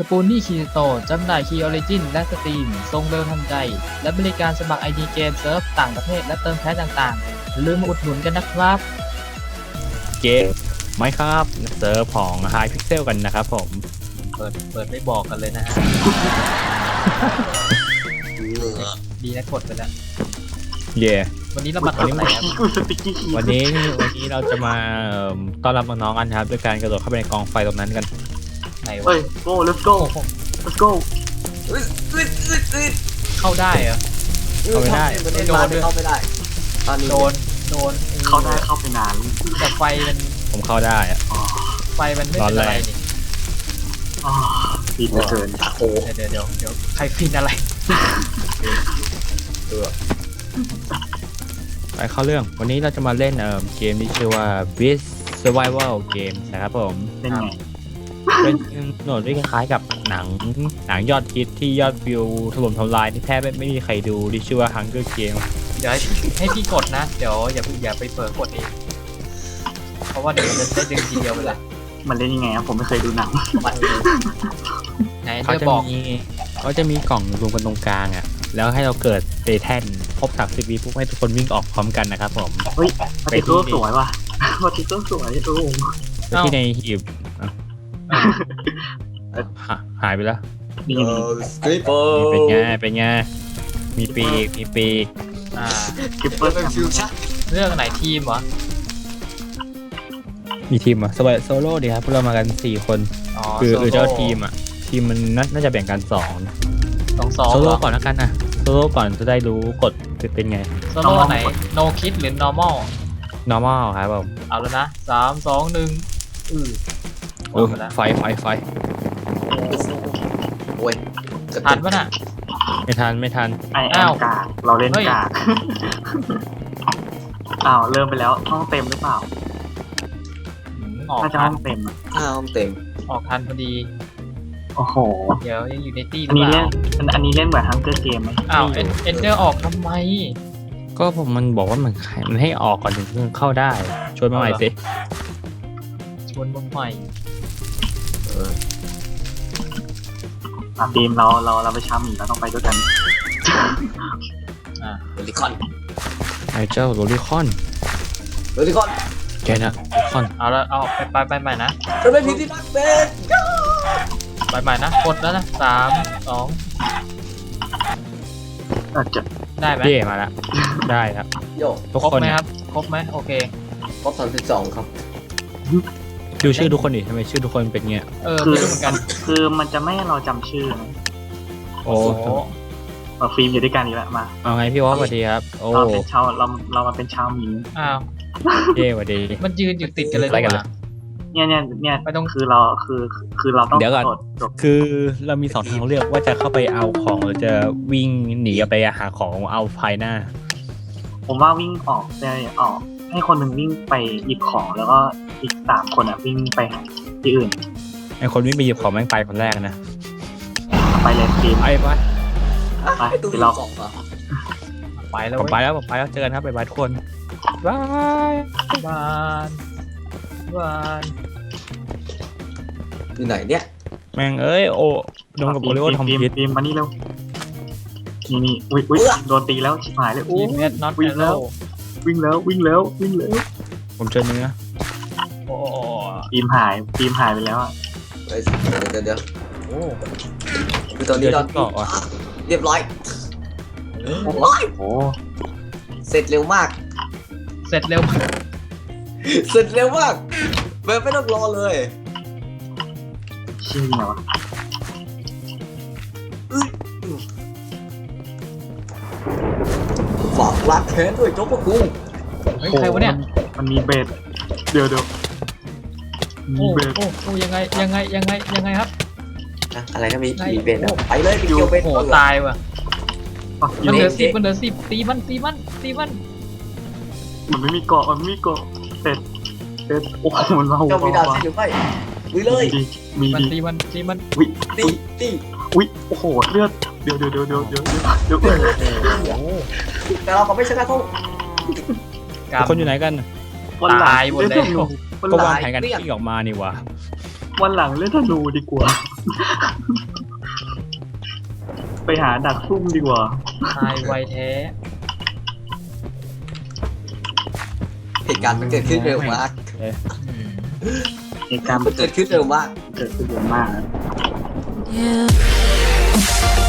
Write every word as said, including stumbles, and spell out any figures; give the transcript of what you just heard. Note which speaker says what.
Speaker 1: ปูนี่คีโตจำหน่ายคีย์ออริจินและสตรีมทรงเร็วทันใจและบริการสมัคร ไอ ดี เกมเซิร์ฟต่างประเทศและเติมแพ็คต่างๆอย่าลืมมาอุดหนุนกันนะครับ
Speaker 2: เกมไหมครับเซิร์ฟของ High Pixel กันนะครับผม
Speaker 1: เปิดเปิดไม่บอกกันเลยนะฮะดีนะกดไปแล้ว
Speaker 2: เย่
Speaker 1: วันนี้เรามาทำอะไรครับ
Speaker 2: วันนี้วันนี้เราจะมาต้อนรับน้องๆกันครับด้วยการกระโดดเข้าไปในกองไฟตรงนั้นกัน
Speaker 1: ไหนวะ
Speaker 3: เฮ้ย go let's go let's go
Speaker 1: เข้าได้เหรอ
Speaker 2: เข้าไม่ได้
Speaker 1: โดน
Speaker 4: เข้าไม่ได้ตอนนี้
Speaker 1: โดนโดน
Speaker 3: เข้าได้เข้าไปนาน
Speaker 1: แต่ไฟมัน
Speaker 2: ผมเข้าได้อะ
Speaker 1: ไฟมันไม่เป็นอะไรนี่
Speaker 3: อ๋อฟินเหลือเกิน
Speaker 1: โอ้เดี๋ยวเดี๋ยวเดี๋ยวใครฟินอะไร
Speaker 2: ไปเข้าเรื่องวันนี้เราจะมาเล่นเอ่อเกมที่ชื่อว่า Beast Survival Game นะครับผม
Speaker 3: เป็นไง
Speaker 2: เป็นโหนดที่คล้ายๆกับหนังหนังยอดฮิตที่ยอดวิวถล่มทลายที่แทบไม่มีใครดูที่ชื่อว่า Hunger Game
Speaker 1: เดี๋ยวให้พี่กดนะเดี๋ยวอย่าอย่าไปเปิดกดเองเพราะว่าเดี๋ยวมันจะได้ดึงทีเดียวไปเลย
Speaker 3: มันเล่นยังไงผมไม่เคยดูหนัง
Speaker 2: เขาจะมีเขาจะมีกล่องรวมกันตรงกลางอ่ะแล้วให้เราเกิดเตแท่นครบสามสิบวิปุ๊บให้ทุกคนวิ่งออกพร้อมกันนะครับผม
Speaker 3: เฮ้ยปฏิโก้สวยว่ะปฏิโก้สวยดู
Speaker 2: ไปที่ในหีบหายไปแล้วเป็นไงเป็นไงมีปีกมีปีก
Speaker 1: อ่า
Speaker 3: กิปเปอร์
Speaker 4: ฟิวชั่น
Speaker 1: เรื่องไหนทีมวะ
Speaker 2: มีทีมอ่ะโซโล่ดีครับพวกเรามากันสี่คนคือเจ้าทีมอ่ะทีมมันน่าจะแบ่งกันสอง
Speaker 1: สองสอง
Speaker 2: โซโล่ก่อนแล้วกันนะโซโล่ก่อนจะได้รู้กฎเป็นไง
Speaker 1: โซโล่ไหน no kit หรือ normal
Speaker 2: normal ครับผม
Speaker 1: เอาแล้วนะสามสองหนึ่งอือ
Speaker 2: โอ้ไฟไฟไฟ
Speaker 4: โอ้ย
Speaker 1: ทันปะน่ะ
Speaker 2: ไม่ทันไม่ทัน
Speaker 3: อ้าวกาเราเล่นกาอ้าวเริ่มไปแล้วห้องเต็มหรือเปล่าน่าจะห้องเต็มอ่ะ
Speaker 4: ห้องเต็ม
Speaker 1: ออกทันพอดี
Speaker 3: โอ้โห
Speaker 1: เดี๋ยวยังอยู่ในตี้หรื
Speaker 3: อเป
Speaker 1: ล่า
Speaker 3: อันนี้เล่นเหมือนฮังเกอร์เกมไหม
Speaker 1: อ้าวเอ็นเดอร์ออกทำไม
Speaker 2: ก็ผมมันบอกว่ามันมันให้ออกก่อนถึงเข้าได้ชวนมาใหม่สิ
Speaker 1: ชวนมาใหม่
Speaker 3: เออทีมเราเราเราไปช้าหมีเราต้องไปด้วยกัน
Speaker 1: อ่า
Speaker 4: โรลิคอน
Speaker 2: ไอ้เจ้าโรลิคอน
Speaker 4: โรลิคอน
Speaker 2: แกนะโรลิคอน
Speaker 1: เอาละเอาไปไปไปใหม่นะ
Speaker 4: จะไม่ผิดที่รักเป็น
Speaker 1: ไปใหม่นะกดแล้วนะสามสอง
Speaker 3: อาจจะ
Speaker 1: ได้ไหม
Speaker 2: เย่มาแล้วได้ครับ
Speaker 4: โย
Speaker 2: ทุกคน
Speaker 1: ไหมครับครบไหมโอเค
Speaker 4: ครบสามสิบสองครับ
Speaker 2: ดูชื่อทุกคนดิทำไมชื่อทุกคนเป็นเงี้ย
Speaker 1: เออคือเหมือนกัน
Speaker 3: คือมันจะไม่ให้เราจำชื่อ
Speaker 2: โอ้
Speaker 3: มาฟิล์มอยู่ด้วยกันอีกแล้วมา
Speaker 2: เอาไงพี่วอสสวัสดีครับโอ้
Speaker 3: เราเป็นชาวเราเรามาเป็นชาวหมี
Speaker 1: อ้าว
Speaker 2: เย่สวัสดี
Speaker 1: มันยืนอยู่ติดกันเลยกัน
Speaker 3: เนี่ยเนี่ยเนี่ย
Speaker 1: ไม่ต้อง
Speaker 3: คือเราคือคือเราต้อง
Speaker 2: เดี๋ยวก่อนคือเรามีสองทางเลือกว่าจะเข้าไปเอาของหรือจะวิ่งหนีไปหาของเอาภายหน้า
Speaker 3: ผมว่าวิ่งออกจะออกให้คนหนึ่งวิ่งไปหยิบของแล้วก็อีกสามคนอ่ะวิ่งไปที่อื่น
Speaker 2: ไอคนวิ่งไปหยิบของแม่งไปคนแรกนะ
Speaker 3: ไปเลยทีม
Speaker 2: ไปไป
Speaker 4: ไปตีเราสองต่อ
Speaker 1: ไปแล้ว
Speaker 2: ผมไปแล้วผมไปแล้วเจอกันครับไปบายทุกคนบาย
Speaker 1: บายบาย
Speaker 4: อยู่ไหนเนี่ย
Speaker 2: แม่งเอ้ยโอ้โดนกับโอริโอทำพิษ
Speaker 3: ทีมมานี่เร็วนี่นี่อุ้ยอุ้ยโดนตีแล้วชิบหายเลย
Speaker 1: ทีมเน็ตน็อต
Speaker 3: วิ่งแล้ววิ่งแล้ววิ่งแล้ววิ่งแล้ว
Speaker 2: ผมเจอเนื้อ
Speaker 1: โอ้
Speaker 3: ทีมหายทีมหายไปแล้วอ่ะ
Speaker 4: เดี๋ยวเดี๋ยวโอ้คือตอนนี้เราเรียบร้อยโอ้ยโอ้เสร็จเร็วมาก
Speaker 1: เสร็จเร็ว
Speaker 4: เสร็จเร็วมากแบบไม่ต้องรอเลย
Speaker 3: ชื่ออะไรวะ
Speaker 4: ฝากรักแค้นด้วยโจ๊กพวกกู
Speaker 1: เฮ้ยใครวะเนี่ย
Speaker 3: มันมีเบสเดี๋ยวเดี๋ยว
Speaker 1: มีเบสโอ้โหยังไงยังไงยังไงยังไงครับ
Speaker 4: อะไรก็มีมีเบสไปเลยไปเกี่ยวเบส
Speaker 1: โอ้ตายว่ะมันเหลือสิบมันเหลือสิบตีมันตีมันตีมัน
Speaker 3: มันไม่มีเกาะมันไม่มีเกาะเสร็จเสร็จโอ้โหมันเรา
Speaker 4: เจ้ามีดาวเสียอยู่ไปวิ่งเลย
Speaker 3: มีดี
Speaker 1: ตีมันตีมัน
Speaker 3: วิ่ง
Speaker 4: ตีตี
Speaker 3: อุ้ยโอ้โหเลือดเดี๋ยวเดี๋ยวเดี๋ยวเดี๋ยวเดี๋ยวเดี๋ยว
Speaker 4: แต่เราก็ไม่ชนะเขา
Speaker 2: คนอยู่ไหนกัน
Speaker 1: ตายหมดเลย
Speaker 2: ก็วางแผนกันที่ออกมานี่วะ
Speaker 3: วันหลังเล่นธนูดีกว่าไปหาดักซุ่มดีกว่า
Speaker 1: ตายไวแท้
Speaker 4: เหตุการณ์มันเกิดขึ้นเร็วมาก
Speaker 1: อืม
Speaker 3: เหตุการณ์
Speaker 4: มันเกิดขึ้นเร็วมาก
Speaker 3: เกิดขึ้นเยอะมากนะ
Speaker 5: Yeah.